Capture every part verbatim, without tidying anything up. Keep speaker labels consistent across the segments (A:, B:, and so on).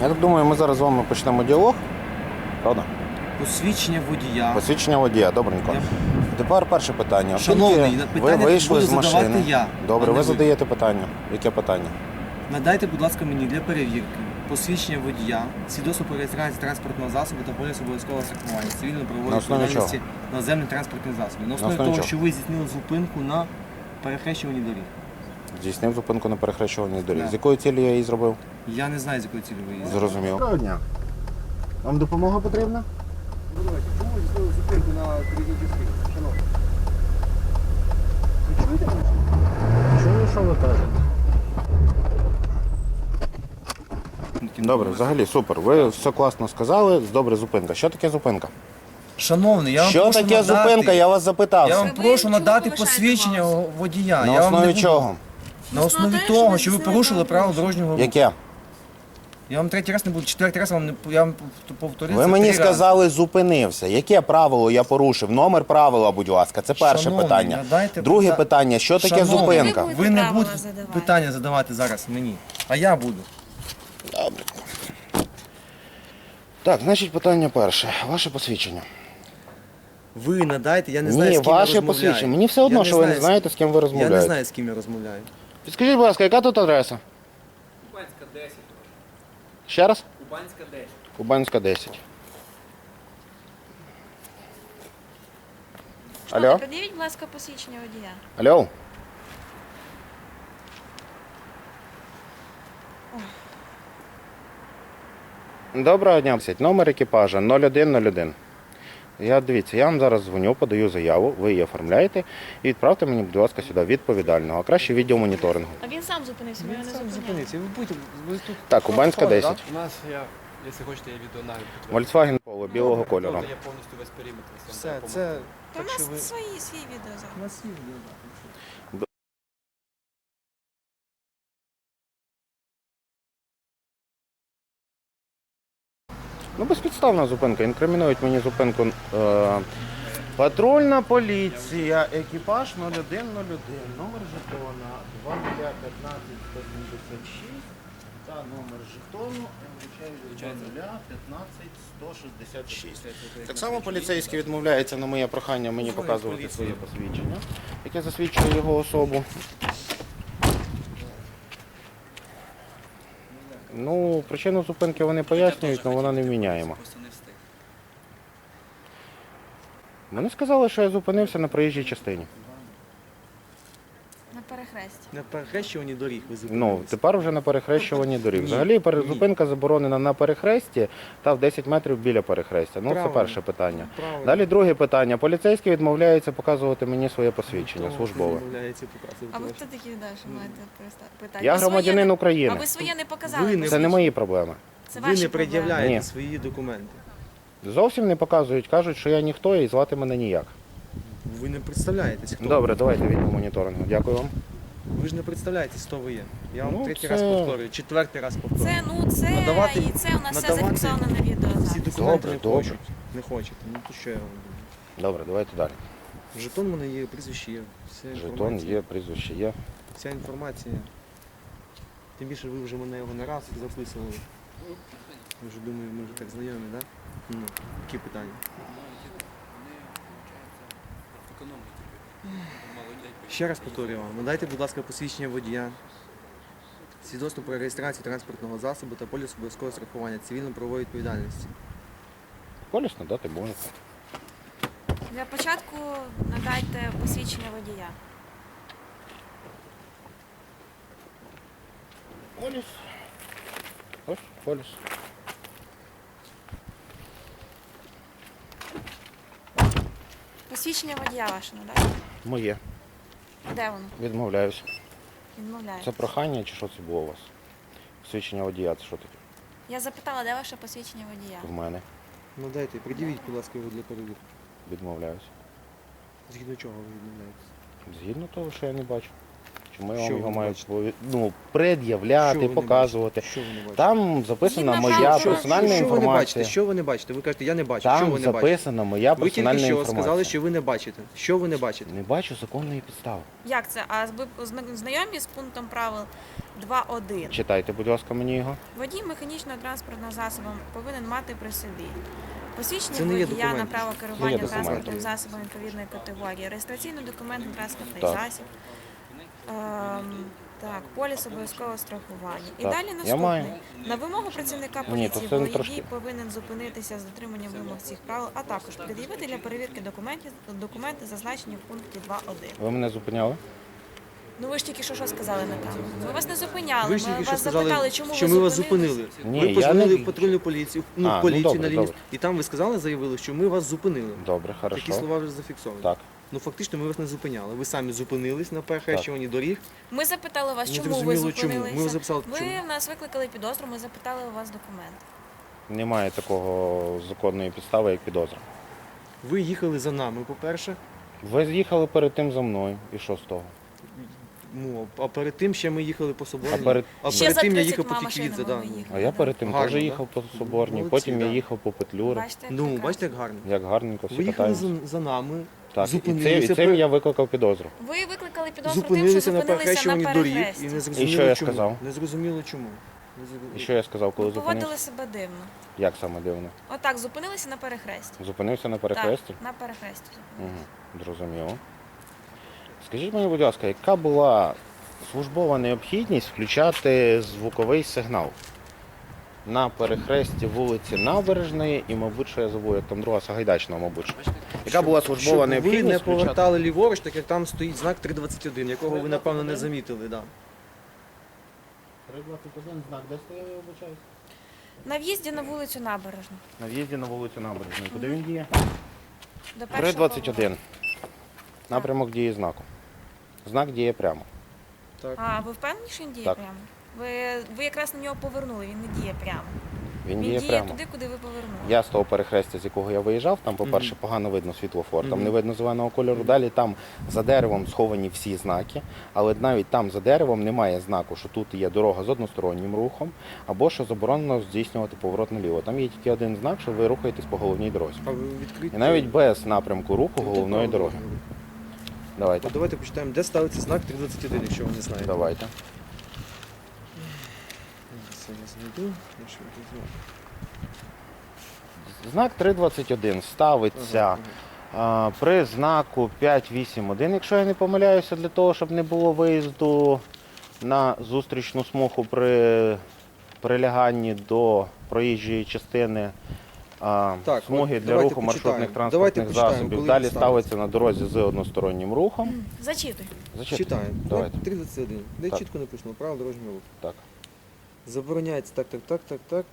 A: Я так думаю, ми зараз з вами почнемо діалог. Правда?
B: Посвідчення водія.
A: Посвідчення водія, добренько.
B: Я-
A: Тепер перше питання.
B: Шановний,
A: Оскільки ви
B: питання
A: вийшли
B: буду
A: з машини.
B: задавати я,
A: Добре,
B: а не
A: ви
B: ви.
A: задаєте питання. Яке питання?
B: Надайте, будь ласка, мені для перевірки посвідчення водія, свідоцтво про реєстрацію транспортного засобу та поліс обов'язкового страхування,
A: На
B: цивільно-правової
A: основі
B: відповідальності наземних транспортних засобів. На основі
A: основі
B: того,
A: чого?
B: що ви здійснили зупинку на перехрещуванні доріг.
A: Здійснив зупинку на перехрещуванні доріг.
B: Так.
A: З якою цілі я її зробив?
B: Я не знаю, з якої цілі ви їздите.
A: Зрозумів. Доброго дня. Вам допомога потрібна?
C: Чому ви здійснили зупинку на передній частині? Шановні. Ви чуєте мене?
A: Чую, що ви кажете. Добре, взагалі супер. Ви все класно сказали. Добре, зупинка. Що таке зупинка?
B: Шановний, я вам
A: Що
B: прошу
A: таке
B: надати,
A: зупинка? Я вас запитав.
B: Я вам
D: Ви
B: прошу
D: чому
B: надати
D: повишаєте
B: посвідчення
D: голос?
B: водія.
A: На
B: я вам не
A: основі
B: буду-
A: чого?
B: На основі
D: того, що
B: того,
D: ви
B: що ви
D: здійснили
B: порушили правила
D: правопорушення.
B: дорожнього руху.
A: Яке?
B: Я вам третій раз не буду, четвертий раз вам не я вам повторив.
A: Ви
B: це
A: мені
B: три рази.
A: сказали, зупинився. Яке правило я порушив? Номер правила, будь ласка. Це перше
B: Шановний,
A: питання.
B: надайте
A: Друге
B: пита-
A: питання, що таке
B: Шановний,
A: зупинка?
D: ви
B: Ви не
D: правила
B: будете
D: задавайте.
B: питання задавати зараз мені, а я буду.
A: Так, значить питання перше. Ваше посвідчення.
B: Ви надайте, я не знаю,
A: Ні,
B: з ким я
A: ваше
B: розмовляю.
A: посвідчення. Мені все одно,
B: Я
A: що ви не
B: знаю, з-
A: знаєте, з ким ви
B: Я
A: розмовляєте.
B: не знаю, з ким я розмовляю.
A: Підскажіть, будь ласка, яка тут адреса?
C: Кубанська десять.
A: Ще раз?
C: Кубанська десять.
A: Кубанська десять.
D: Шановний,
A: Алло?
D: Пред'явіть, будь ласка, посвідчення водія.
A: Алло? Доброго дня. Номер екіпажа нуль один нуль один. Я, дивіться, я вам зараз дзвоню, подаю заяву, ви її оформляєте і відправте мені, будь ласка, сюди відповідального, а краще відділ моніторингу.
D: А він сам зупинився, ми його не зупиняли.
B: Зупиніться, ви будете, ви тут...
A: Так, Кубанська десять.
C: У нас, я, якщо хочете, я відео навіть
A: Volkswagen Polo білого кольору.
C: Я повністю весь периметр.
B: Все, це...
D: Та у
B: Так що ви...
D: нас свої, свій відео зараз.
B: У нас є відео, так.
A: Ну, безпідставна зупинка. Інкримінують мені зупинку е, патрульна поліція, екіпаж нуль один нуль один, номер жетона два нуль п'ятнадцять сто сімдесят шість та номер жетону два нуль п'ятнадцять сто шістдесят шість. Так само поліцейський відмовляється на моє прохання мені показувати своє посвідчення, яке засвідчує його особу. Ну, причину зупинки вони пояснюють, але вона невміняєма. Вони сказали, що я зупинився на проїжджій частині.
D: На перехресті.
B: На перехрещуванні доріг ви
A: Ну,
B: зупинилися.
A: тепер вже на перехрещуванні доріг.
B: Ні,
A: Взагалі пере-
B: ні.
A: зупинка заборонена на перехресті та в десять метрів біля перехрестя. Ну, це
B: Правильно.
A: перше питання.
B: Правильно.
A: Далі друге питання. Поліцейський відмовляється показувати мені своє посвідчення
B: Хто
A: службове.
B: відмовляється показувати
D: А ви
B: ваше?
D: хто такі, да, що маєте переста- питати?
A: Я
D: Ви своє
A: громадянин
D: не-
A: України.
D: А ви своє не показали?
B: Ви не-
A: Це не
D: посвідчення?
A: мої проблеми.
D: Це
B: Ви
D: ваші
B: не
D: проблеми.
B: пред'являєте
A: Ні.
B: свої документи.
A: Зовсім не показують, кажуть, що я ніхто і звати мене ніяк.
B: Ви не представляєтесь, хто
A: Добре,
B: ви.
A: давайте відділ моніторингу. Дякую вам.
B: Ви ж не представляєтесь, хто ви є. Я вам
A: Ну,
B: третій
A: це-
B: раз повторюю, четвертий раз повторюю.
D: Це, ну, це,
B: Надавати-
D: і це у нас все
B: надавати
D: зафіксовано на відео
B: Всі
D: зараз.
B: документи
A: Добре,
B: не
A: добре.
B: хочуть. Не хочете. Ну то що я вам буду?
A: Добре, давайте далі.
B: Жетон у мене є, прізвище є. Вся
A: Жетон
B: інформація.
A: є, прізвище є.
B: Вся інформація. Тим більше ви вже мене його не раз записували. Я вже думаю, ми вже так знайомі, так? Да? Ну, які питання? Ще раз повторюю вам. Надайте, будь ласка, посвідчення водія, свідоцтво про реєстрацію транспортного засобу та поліс обов'язкового страхування цивільно-правової відповідальності.
A: Поліс надати можете.
D: Для початку надайте посвідчення водія.
A: Поліс. Ось поліс.
D: Посвідчення водія ваше надайте.
A: Моє.
D: Де воно?
A: Відмовляюся.
D: Відмовляється.
A: Це прохання чи що це було у вас? Свідчення водія, це що таке?
D: Я запитала, де ваше посвідчення водія?
A: В мене.
B: Ну дайте, придивіть, будь ласка, його для перевірки.
A: Відмовляюся.
B: Згідно чого ви відмовляєтесь?
A: Згідно того, що я не бачу. Чому я
B: Що
A: вам
B: ви
A: його
B: не
A: маю
B: бачите?
A: пові- ну,
B: Що
A: пред'являти,
B: ви не
A: показувати?
B: бачите? Що ви не бачите?
A: Там записана
D: Згідно
A: моя
D: правил
B: Що-
A: персональна
B: що, що ви не бачите?
A: інформація.
B: Що ви не бачите? Ви кажете, я не бачу. що
A: Там
B: ви не бачите?
A: записана моя
B: Ви тільки
A: персональна
B: що
A: інформація.
B: сказали, що ви не бачите. Що ви не бачите?
A: Не бачу законної підстави.
D: Як це? А ви зна- знайомі з пунктом правил два один?
A: Читайте, будь ласка, мені його.
D: Водій механічного транспортного засобу повинен мати при собі посвідчення
B: Це не є
D: водія на
B: документ.
D: право
A: Це
D: керування
A: є документ.
D: транспортним засобом відповідної категорії, реєстраційний документ на транспортний
A: Так.
D: засіб. Ем, так, поліс обов'язкового страхування. І
A: Так,
D: далі
A: я
D: наступний.
A: маю.
D: На вимогу працівника
A: Ні, то
D: поліції
A: це не
D: водій
A: трошки.
D: повинен зупинитися з дотриманням вимог цих правил, а також пред'явити для перевірки документів документи, зазначені в пункті два один.
A: Ви мене зупиняли?
D: Ну ви ж тільки що що сказали на камеру? Ми вас не зупиняли.
B: Ви ж
D: Ми
B: тільки що
D: вас
B: сказали,
D: запитали, чому
B: що
D: ви
B: ми вас
D: зупинились.
B: зупинили.
A: Ні,
B: ви
A: я
B: позвонили
A: не-
B: в патрульну поліцію, ну,
A: А, ну,
B: поліцію
A: добре,
B: на лінії,
A: добре.
B: і там ви сказали, заявили, що ми вас зупинили.
A: Добре,
B: Такі
A: хорошо.
B: слова вже зафіксовані.
A: Так.
B: Ну фактично ми вас не зупиняли. Ви самі зупинились на перехрещуванні доріг.
D: Ми запитали вас,
B: Не
D: чому ви
B: зрозуміло, чому.
D: зупинилися.
B: Ми вас записали,
D: ви
B: чому.
D: в нас викликали підозру, ми запитали у вас документ.
A: Немає такого законної підстави, як підозра.
B: Ви їхали за нами, по-перше.
A: Ви з'їхали перед тим за мною. І що з того?
B: Ну, а перед тим ще ми їхали по соборній.
A: А перед-
B: а
D: Ще
B: перед
D: за
B: тим я
D: тридцять
B: їхав по
D: машинами
B: Тіквідзе,
D: ви
B: да.
D: їхали.
A: А я перед тим
B: Гарно,
A: теж
B: да?
A: їхав по Соборній,
B: Молодці,
A: потім я
B: да.
A: їхав по Петлюри.
D: Бачите, як
B: Ну,
D: прекрасно.
B: бачите, як гарно.
A: Як гарненько, всі
B: Ви їхали
A: катаються.
B: за, за нами,
A: Так, і цим, і
B: зупинилися,
A: цим
B: пер-
A: я викликав підозру.
D: Ви викликали підозру тим, що
B: зупинилися на
D: зупинилися на
B: перехрещуванні доріг і
D: перехресті.
B: не зрозуміло
A: І що я
B: чому.
A: сказав?
B: Не зрозуміло чому. Не зрозуміло.
A: І що я сказав, коли
D: Ви поводили
A: зупинився?
D: себе дивно.
A: Як саме дивно?
D: Отак, зупинилися на перехресті.
A: Зупинився на перехресті?
D: Так, на перехресті. зупинилися.
A: Угу, зрозуміло. Скажіть мені, будь ласка, яка була службова необхідність включати звуковий сигнал на перехресті вулиці Набережної і, мабуть, що я забув, як там друга Сагайдачного, мабуть. що. Яка була службова
B: Щоб
A: необхідність
B: ви не
A: включати?
B: повертали ліворуч, так як там стоїть знак три двадцять один, якого ви, напевно, не замітили. Да.
A: три двадцять один знак, де стояв, я вибачаюсь?
D: На в'їзді на вулицю Набережну.
A: На в'їзді на вулицю Набережної. Куди він діє?
D: До
A: три
D: першого
A: двадцять
D: повороту.
A: один. Напрямок дії знаку. Знак діє прямо.
B: Так.
D: А, ви впевнені, що він діє
A: Так.
D: прямо? Ви, ви якраз на нього повернули, він не діє прямо.
A: Він
D: Він
A: діє
D: діє
A: прямо.
D: туди, куди ви повернули.
A: Я з того перехрестя, з якого я виїжджав, там, по-перше,
B: Мгм.
A: погано видно світлофор, там
B: Мгм.
A: не видно зеленого кольору. Далі там за деревом сховані всі знаки, але навіть там за деревом немає знаку, що тут є дорога з одностороннім рухом, або що заборонено здійснювати поворот наліво. Там є тільки один знак, що ви рухаєтесь по головній дорозі.
B: А ви відкриті?
A: І навіть без напрямку руху головної дороги. Давайте.
B: А давайте почитаємо, де ставиться знак три двадцять один, якщо ви не знаєте.
A: Давайте.
B: Це я знайду. Я ще візьму.
A: Знак три двадцять один ставиться
B: Ага, ага.
A: а, при знаку п'ять вісім один, якщо я не помиляюся, для того, щоб не було виїзду на зустрічну смугу при приляганні до проїжджої частини а,
B: Так,
A: смуги
B: от
A: для
B: давайте
A: руху
B: почитаємо.
A: маршрутних
B: Давайте
A: транспортних
B: почитаємо,
A: засобів.
B: коли
A: Далі
B: він
A: ставиться на дорозі з одностороннім рухом.
D: Зачитуй.
A: Зачитуйте.
B: Читаємо.
A: Давайте.
B: три двадцять один. Де
A: Так.
B: чітко написано, право дорожнього руху.
A: Так.
B: Забороняється так, так, так, так, так.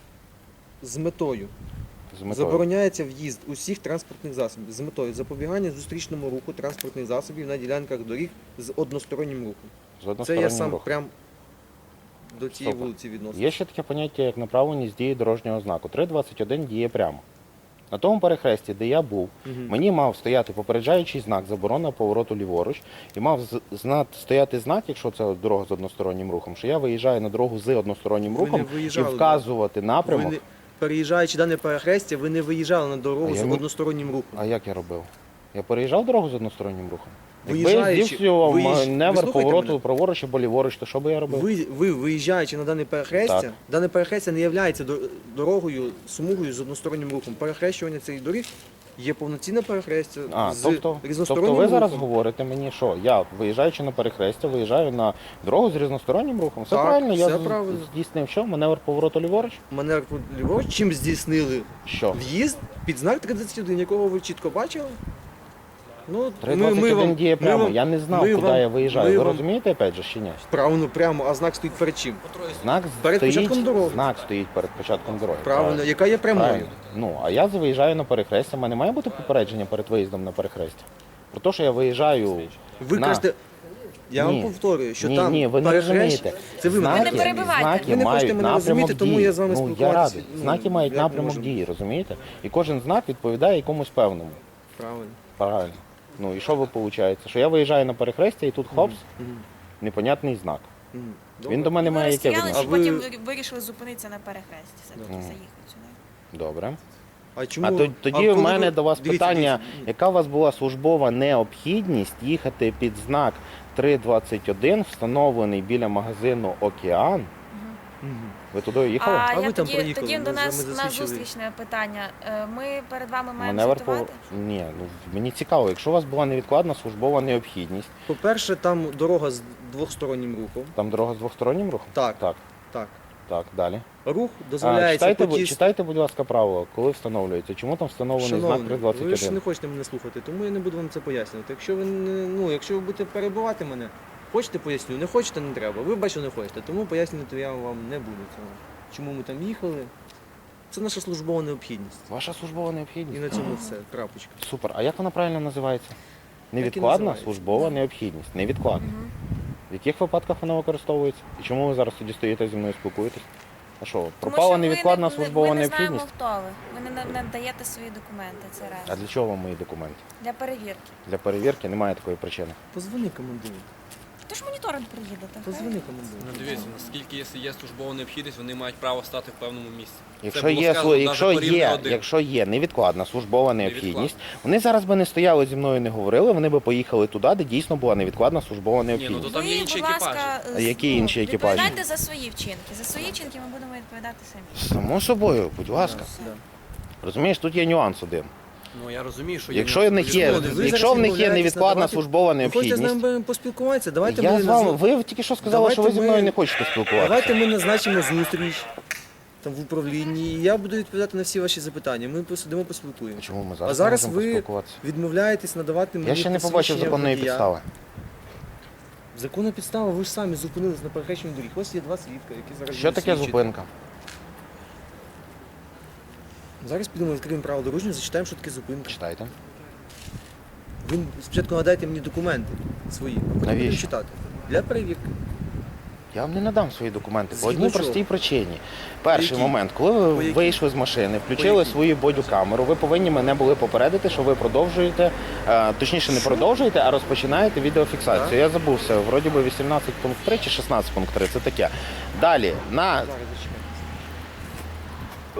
B: З метою.
A: З метою.
B: Забороняється в'їзд усіх транспортних засобів з метою запобігання зустрічному руху транспортних засобів на ділянках доріг з одностороннім рухом.
A: З
B: Це я
A: одностороннім
B: сам
A: рухом.
B: прям до цієї
A: Супер.
B: вулиці відносно.
A: Є ще таке поняття, як направленість дії дорожнього знаку. три двадцять один діє прямо. На тому перехресті, де я був,
B: Мгм.
A: мені мав стояти попереджаючий знак заборона повороту ліворуч, і мав з- зна- стояти знак, якщо це дорога з одностороннім рухом, що я виїжджаю на дорогу з одностороннім
B: Ви не
A: рухом і
B: виїжджали,
A: вказувати напрямок.
B: Ви не, переїжджаючи дане перехрестя, ви не виїжджали на дорогу
A: А
B: з
A: я не-
B: одностороннім рухом.
A: А як я робив? Я переїжджав дорогу з одностороннім рухом? Якби я
B: Виїжджаючи-
A: здійснював
B: виїждж-
A: маневр
B: ви слухаєте
A: повороту
B: мене?
A: праворуч або ліворуч, то що би я робив?
B: Ви, ви виїжджаючи на дане перехрестя,
A: Так.
B: дане перехрестя не є дорогою, смугою з одностороннім рухом. Перехрещування цих доріг є повноцінне перехрестя
A: А,
B: з
A: тобто,
B: різностороннім
A: тобто ви зараз
B: рухом.
A: говорите мені, що я, виїжджаючи на перехрестя, виїжджаю на дорогу з різностороннім рухом. Все
B: Так,
A: правильно, я
B: все
A: з-
B: правильно.
A: здійснив що? Маневр повороту ліворуч?
B: Маневр ліворуч, чим здійснили
A: Що?
B: в'їзд під знак тридцять один, якого ви чітко бачили? Ну,
A: три двадцять один діє прямо.
B: вам-
A: Я не знав,
B: ми
A: куди
B: вам-
A: я виїжджаю.
B: ми
A: Ви
B: вам-
A: розумієте, опять же, чи ні?
B: Правильно, прямо, а знак стоїть перед чим?
A: Знак
B: Перед
A: стоїть,
B: початком дороги.
A: знак стоїть перед початком дороги.
B: Правильно, яка є прямою.
A: Правильно. Ну, а я виїжджаю на перехрестя. У мене має бути попередження перед виїздом на перехрестя? Про те, що я виїжджаю.
B: Ви
A: на...
B: кажете, я
A: Ні.
B: вам повторюю, що
A: ні,
B: там
A: ні, ви не
B: перехрещ-
A: розумієте.
B: Це ви мене
D: Ви не
A: знаки,
D: перебивайте.
A: знаки
B: Ви не хочете
A: мають
B: мене
A: напрямок
B: розуміти, тому
A: дії.
B: я з вами
A: ну, я
B: спілкуватися,
A: радий.
B: ну,
A: Знаки мають
B: як
A: напрямок
B: можемо.
A: дії, розумієте? І кожен знак відповідає якомусь певному.
B: Правильно.
A: Правильно. Ну і що ви виходить? Що я виїжджаю на перехрестя і тут хопс,
B: Мгм.
A: непонятний знак.
B: Мгм.
A: Він до мене
D: Ми
A: має яке
D: розстрілялись,
A: відношення?
D: і
B: А ви-
D: потім вирішили зупинитися на перехресті. Все-таки
A: Мгм.
D: заїхати сюди.
A: Добре.
B: А чому?
A: А то- тоді
B: а
A: в
B: коли
A: мене
B: ви-
A: до вас
B: дивіться,
A: питання,
B: дивіться.
A: яка у вас була службова необхідність їхати під знак три двадцять один, встановлений біля магазину Океан?
B: Мгм.
A: Ви туди їхали?
D: А,
B: А
D: я
B: ви там
D: тоді,
B: проїхали,
D: тоді
B: ми
D: до
B: за-
D: нас
B: ми
D: на
B: засвідчили.
D: зустрічне питання. Е, Ми перед вами маємо
A: Маневр по...
D: звітувати?
A: Ні, ну мені цікаво, якщо у вас була невідкладна службова необхідність,
B: По-перше, там дорога з двохстороннім рухом.
A: там дорога з двостороннім рухом?
B: Так,
A: Так,
B: так.
A: так, далі.
B: Рух
A: А,
B: дозволяється
A: читайте,
B: по
A: бу-
B: тій...
A: читайте, будь ласка, правила, коли встановлюється. Чому там встановлений знак
B: Шановний,
A: три двадцять
B: ви ж не
A: один?
B: хочете мене слухати, тому я не буду вам це пояснювати. Якщо ви не, ну, якщо ви будете перебивати мене, хочете поясню, не хочете, не треба. Ви бачите, не хочете, тому пояснювати я вам не буду цього. Чому ми там їхали? Це наша службова необхідність.
A: Ваша службова
B: І
A: необхідність?
B: на цьому все. Крапочка.
A: Супер. А як вона правильно називається? Невідкладна
B: називається.
A: службова необхідність. Невідкладна.
D: Мгм.
A: В яких випадках вона використовується? І чому ви зараз тоді стоїте зі мною спілкуєтесь? А що,
D: Тому
A: пропала
D: що ви
A: невідкладна
D: не-
A: службова
D: Ми не
A: необхідність?
D: знаємо, хто ви. Ви не, не даєте свої документи, це раз.
A: А для чого вам мої документи?
D: Для перевірки.
A: Для перевірки немає такої причини.
B: Позвони командиру.
D: Тож моніторинг приїдете.
B: Позвони командиру.
E: Ну, дивіться, наскільки якщо є службова необхідність, вони мають право стати в певному місці.
A: Якщо
E: Це було
A: є,
E: сказано
A: слу-
E: навіть
A: якщо,
E: по рівню
A: є,
E: один.
A: якщо є невідкладна службова необхідність,
E: Невідкладна.
A: вони зараз би не стояли зі мною, не говорили, вони би поїхали туди, де дійсно була невідкладна службова
E: Ні, ну
A: необхідність.
E: то там є
D: Ви,
E: інші
D: будь ласка,
E: екіпажі.
A: А які
D: ну,
A: інші екіпажі?
D: Відповідайте за свої вчинки. За свої вчинки ми будемо відповідати самі.
A: Само собою, будь ласка.
B: Да.
A: Розумієш, тут є нюанс один.
E: Ну я розумію, що є
A: Якщо в них є,
B: Люди, ви
A: якщо
B: зараз
A: в них є
B: відмовляєтесь
A: невідкладна
B: надавати-
A: службова
B: Ви хочете з
A: необхідність,
B: нами поспілкуватися? Давайте
A: я
B: ми
A: з вами,
B: назв-
A: ви тільки що сказали, що ви
B: Давайте
A: зі мною
B: ми-
A: не хочете спілкуватися.
B: Давайте ми назначимо зустріч там в управлінні, і я буду відповідати на всі ваші запитання. Ми посидимо, поспілкуємо.
A: Чому ми
B: А
A: зараз,
B: зараз
A: не можемо
B: ви
A: поспілкуватися?
B: відмовляєтесь надавати мені
A: Я ще не побачив
B: посвідчення
A: законної
B: водія.
A: підстави.
B: Законна підстава, ви ж самі зупинились на перехрещенні доріг. Ось є два свідка, які зараз
A: Що
B: будуть
A: таке
B: свідчити.
A: зупинка?
B: Зараз підемо відкриємо право дорожнього, зачитаємо, що таке зупинка.
A: Читайте.
B: Ви спочатку надайте мені документи свої, а потім
A: Навіщо?
B: будемо читати. Для перевірки.
A: Я вам не надам свої документи по
B: Згідно
A: одній
B: чого?
A: простій причині. Перший
B: якій?
A: момент, коли ви
B: По якій?
A: вийшли з машини, включили
B: якій?
A: свою бодікамеру, ви повинні мене були попередити, що ви продовжуєте, е, точніше не продовжуєте, а розпочинаєте відеофіксацію.
B: Так.
A: Я забувся, вроді би вісімнадцять пункт три чи шістнадцять пункт три, це таке. Далі, на
B: Зараз зачекайте.